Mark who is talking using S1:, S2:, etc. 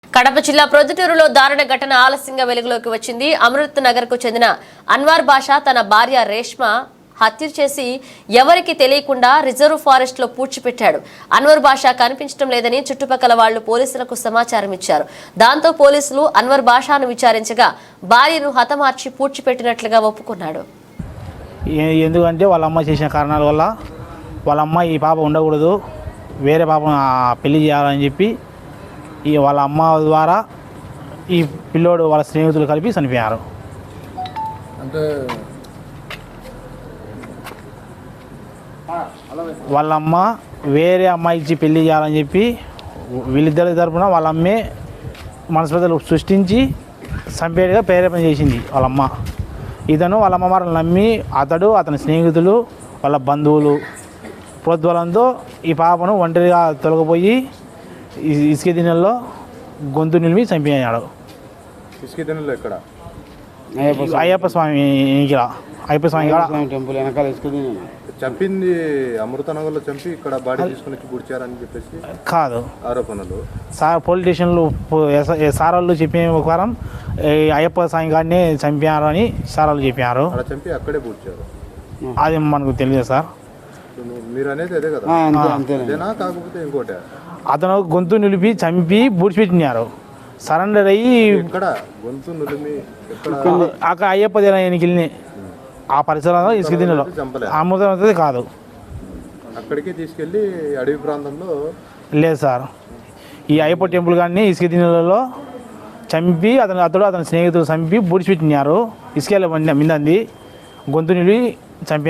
S1: కడప జిల్లా ప్రొద్దుటూరులో దారుణ ఘటన ఆలస్యంగా వెలుగులోకి వచ్చింది. అమృత్ నగర్ కు చెందిన అన్వర్ బాషా తన భార్య రేష్మ హత్య చేసి ఎవరికి తెలియకుండా రిజర్వ్ ఫారెస్ట్ లో పూడ్చిపెట్టాడు. అన్వర్ బాషా కనిపించడం లేదని చుట్టుపక్కల వాళ్లు పోలీసులకు సమాచారం ఇచ్చారు. దాంతో పోలీసులు అన్వర్ బాషాను విచారించగా భార్యను హతమార్చి పూడ్చిపెట్టినట్లుగా ఒప్పుకున్నాడు.
S2: ఎందుకంటే వాళ్ళ అమ్మ చేసిన కారణాల వల్ల వాళ్ళ అమ్మ ఈ పాప ఉండకూడదు, వేరే పాపను పెళ్లి చేయాలని చెప్పి వాళ్ళ అమ్మ ద్వారా ఈ పిల్లోడు వాళ్ళ స్నేహితులు కలిపి చనిపోయారు.
S3: అంటే
S2: వాళ్ళ అమ్మ వేరే అమ్మాయి ఇచ్చి పెళ్లి చేయాలని చెప్పి వీళ్ళిద్దరి తరపున వాళ్ళ అమ్మే మనస్పర్ధలు సృష్టించి చంపేట్టుగా ప్రేరేపణ చేసింది వాళ్ళ అమ్మ. ఇతను వాళ్ళ అమ్మవారిని నమ్మి అతడు అతని స్నేహితులు వాళ్ళ బంధువులు ప్రోద్బలంతో ఈ పాపను ఒంటరిగా తొలగిపోయి ఇసుక దిన్నెల్లో గొంతు నిలిమి చంపేయాడు.
S3: ఇసుక దిన్నెలో ఎక్కడ?
S2: అయ్యప్ప స్వామి
S4: టెంపుల్ వెనకాల ఇసుక దిన్నె.
S3: చంపింది అమృతనగర్లో చంపి ఇక్కడ బాడీ తీసుకుని పూడ్చారని చెప్పేసి
S2: కాదు
S3: ఆరోపణలు.
S2: పోలీస్ స్టేషన్లో సార్ వాళ్ళు చెప్పిన ప్రకారం అయ్యప్ప స్వామి గారిని చంపారు అని సార్ వాళ్ళు చెప్పారు.
S3: అక్కడ చంపి అక్కడే పూడ్చారు.
S2: అది మనకు తెలియదు సార్.
S3: మీరు అనేది అదే కదా? అదేనా కాకపోతే ఇంకోటి?
S2: అతను గొంతు నిలిపి చంపి బూడ్చిపెట్టినారు. సరెండర్ అయ్యి
S3: ఎక్కడ గొంతు నులిమి
S2: అక్కడ అయ్యప్ప దేనికి వెళ్ళి ఆ పరిసరాల్లో ఇసుక దిన్నెలో అమృతం కాదు.
S3: అక్కడికి తీసుకెళ్ళి అడవి ప్రాంతంలో
S2: లేదు సార్. ఈ అయ్యప్ప టెంపుల్ కానీ ఇసుక దిన్నెలలో చంపి అతడు అతని స్నేహితులు చంపి బూడ్చిపెట్టినారు. ఇసుక మిందంది గొంతు నిలిపి చంపి